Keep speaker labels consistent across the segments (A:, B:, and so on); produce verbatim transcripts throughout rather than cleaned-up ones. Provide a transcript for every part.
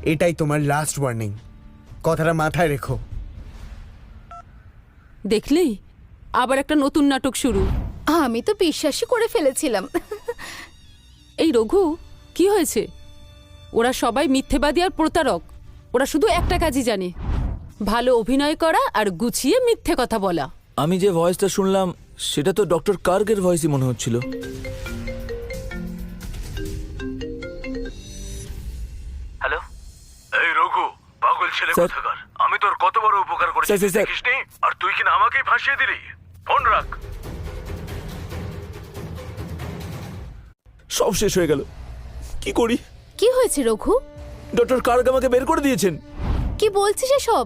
A: এটাই তোমার last warning, কথাটা মাথায় রেখো।
B: দেখলি আবার একটা নতুন নাটক শুরু।
C: আমি তো বিশ্বাসই করে ফেলেছিলাম।
B: এই রঘু, কি হয়েছে? ওরা সবাই মিথ্যেবাদী আর প্রতারক। ওরা শুধু একটা কাজই জানে, ভালো অভিনয় করা আর গুছিয়ে মিথ্যে কথা বলা।
D: আমি যে ভয়েসটা শুনলাম সেটা তো ডক্টর কার্গের ভয়েসই মনে হচ্ছিল।
E: হ্যালো, এই রঘু, পাগল ছেলে
D: স্যার।
E: কোথাকার, আমি তোর কত বড় উপকার করেছি
D: স্যার, স্যার, স্যার।
E: দেখিসনি? আর তুই কিনা আমাকেই ফাঁসিয়ে দিলি। ফোন রাখ।
D: সব শেষ হয়ে গেল, কি করি?
C: কি হয়েছে রঘু?
D: ডক্টর কার্গ আমাকে বের করে দিয়েছেন।
C: কি বলছিস এসব?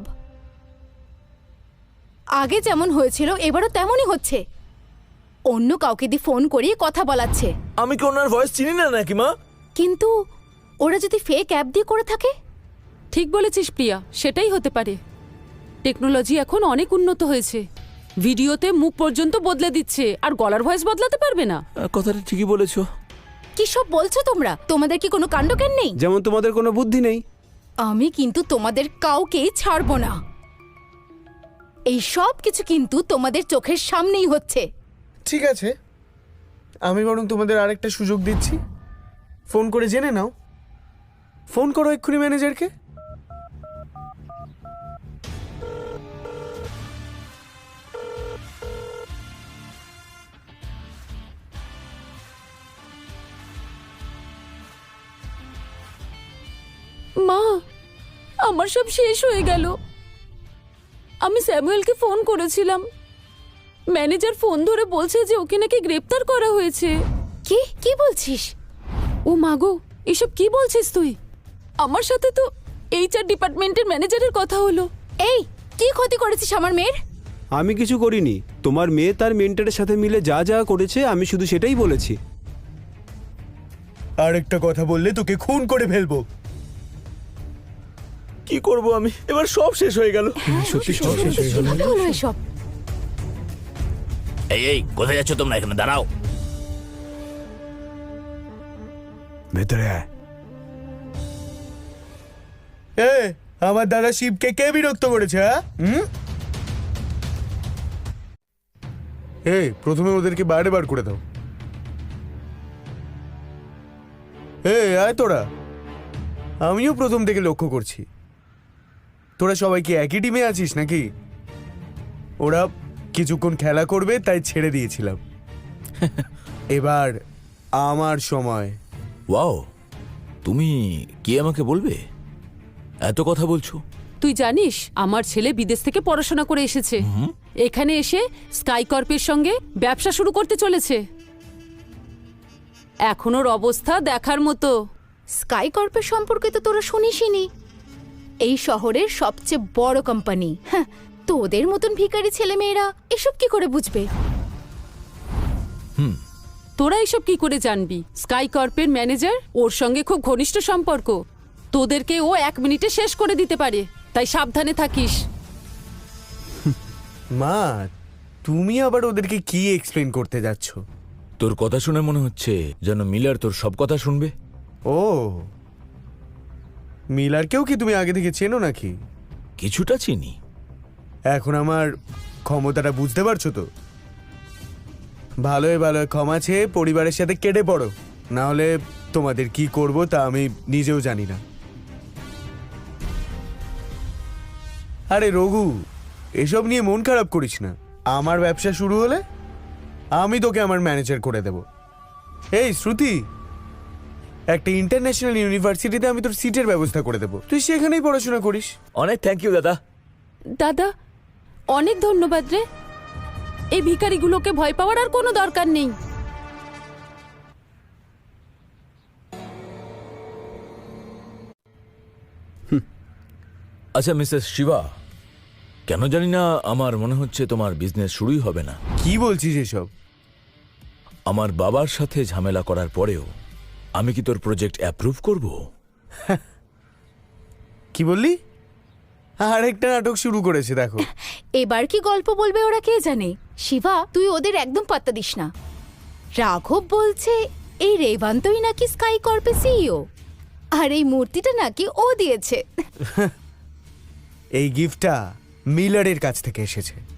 C: আগে যেমন হয়েছিল এবারও তেমনই হচ্ছে। অন্য কাউকে দিয়ে ফোন করিয়ে কথা বলাচ্ছে।
D: আমি কি ওনার ভয়েস চিনি না নাকি মা?
C: কিন্তু ওরা যদি ফেক অ্যাপ দিয়ে করে থাকে?
B: ঠিক বলেছিস প্রিয়া, সেটাই হতে পারে। টেকনোলজি এখন অনেক উন্নত হয়েছে, ভিডিওতে মুখ পর্যন্ত বদলে দিচ্ছে, আর গলার ভয়েস বদলাতে পারবে না।
D: আহ, কথাটা ঠিকই বলেছো।
C: কি সব বলছো তোমরা? তোমাদের কি কোনো কাণ্ডজ্ঞান নেই?
A: যেমন তোমাদের কোনো বুদ্ধি নেই।
C: আমি কিন্তু তোমাদের কাউকেই ছাড়বো না। এই সব কিছু কিন্তু তোমাদের চোখের সামনেই হচ্ছে।
A: ঠিক আছে, আমি বরং তোমাদের আরেকটা সুযোগ দিচ্ছি, ফোন করে জেনে নাও। ফোন করো এক্ষুনি ম্যানেজারকে।
B: মা, আমার সব শেষ হয়ে গেল। আমি স্যামুয়েলকে ফোন করেছিলাম, ম্যানেজার ফোন ধরে বলছে যে ওকে নাকি গ্রেপ্তার করা হয়েছে।
C: কি কি বলছিস?
B: ও মাগো, এসব কি বলছিস তুই? আমার সাথে তো এইচআর ডিপার্টমেন্টের ম্যানেজারের কথা হলো।
C: এই, কি ক্ষতি করেছিস আমার মেয়ের?
F: আমি কিছু করিনি। তোমার মেয়ে তার মেন্টরের সাথে মিলে যা যা করেছে আমি শুধু সেটাই বলেছি।
A: আরেকটা কথা বললে তোকে খুন করে ফেলবো।
D: কি করব আমি? এবার সব শেষ হয়ে গেল।
F: সত্যি সব শেষ হয়ে গেল।
C: কি হলো এসব?
E: এই এই কোথায় যাচ্ছ তোমরা? এখানে দাঁড়াও।
F: ভেতরে আয়।
A: এ, আমার দাদা শিবকে কে বিরক্ত করেছে? হ্যাঁ, হুম? এই প্রথমে ওদেরকে বাইরে বার করে দাও। এই আয় তোরা, আমিও প্রথম থেকে লক্ষ্য করছি তোরা সবাই কি একই টিমে আছিস নাকি? ওরা কিছুক্ষণ খেলা করবে তাই ছেড়ে দিয়েছিলাম। এবার আমার সময়।
D: ওয়াও, তুমি কি আমাকে বলবে? এত কথা বলছো।
B: তুই জানিস আমার ছেলে বিদেশ থেকে পড়াশোনা করে এসেছে, এখানে এসে স্কাই কর্পের সঙ্গে ব্যবসা শুরু করতে চলেছে। এখন ওর অবস্থা দেখার মতো।
C: স্কাই কর্পের সম্পর্কে তো তোরা শুনিসনি। এই শহরের সবচেয়ে বড় কোম্পানি। হ্যাঁ, তোদের মতন ভিখারি ছেলেমেয়েরা এসব কি করে বুঝবে?
B: তোরা এসব কি করে জানবি? স্কাই কর্পের ম্যানেজার, ওর সঙ্গে খুব ঘনিষ্ঠ সম্পর্ক। তোদেরকে ও এক মিনিটে শেষ করে দিতে পারে, তাই সাবধানে থাকিস।
A: মা, তুমি আবার ওদেরকে কি এক্সপ্লেন করতে যাচ্ছ?
D: তোর কথা শুনে মনে হচ্ছে যেন মিলার তোর সব কথা শুনবে।
A: ও, মিলারকেও কি তুমি আগে থেকে চেনো নাকি?
D: কিছুটা চিনি।
A: এখন আমার ক্ষমতাটা বুঝতে পারছো তো? ভালোই ভালো ক্ষমা চেয়ে পরিবারের সাথে কেটে পড়ো, না হলে তোমাদের কি করব তা আমি নিজেও জানি না। আরে রঘু, এসব নিয়ে মন খারাপ করিস না। আমার ব্যবসা শুরু হলে আমি তোকে আমার ম্যানেজার করে দেব। এই শ্রুতি, একটা ইন্টারন্যাশনাল ইউনিভার্সিটিতে আমি তোর সিটের ব্যবস্থা করে দেব, তুই সেখানেই পড়াশোনা করিস।
D: অনেক থ্যাংক ইউ দাদা।
B: দাদা, অনেক ধন্যবাদ রে। এই ভিখারিগুলোকে ভয় পাওয়ার আর কোনো দরকার নেই।
D: আচ্ছা মিসেস শিবা, কেন জানি না আমার মনে হচ্ছে তোমার বিজনেস শুরুই হবে না।
A: কি বলছিস এসব?
D: আমার বাবার সাথে ঝামেলা করার পরেও আমি কি তোর প্রজেক্ট অ্যাপ্রুভ করব?
A: কি বললি? আরেকটা নাটক শুরু করেছে দেখো।
C: এবার কি গল্প বলবে ওরা কে জানে। শিবা, তুই ওদের একদম পাত্তা দিস না। রাঘব বলছে এই রেভান্তই নাকি স্কাই কর্পে সিইও। আর এই মূর্তিটা নাকি ও দিয়েছে।
A: এই গিফটটা মিলারের কাছ থেকে এসেছে।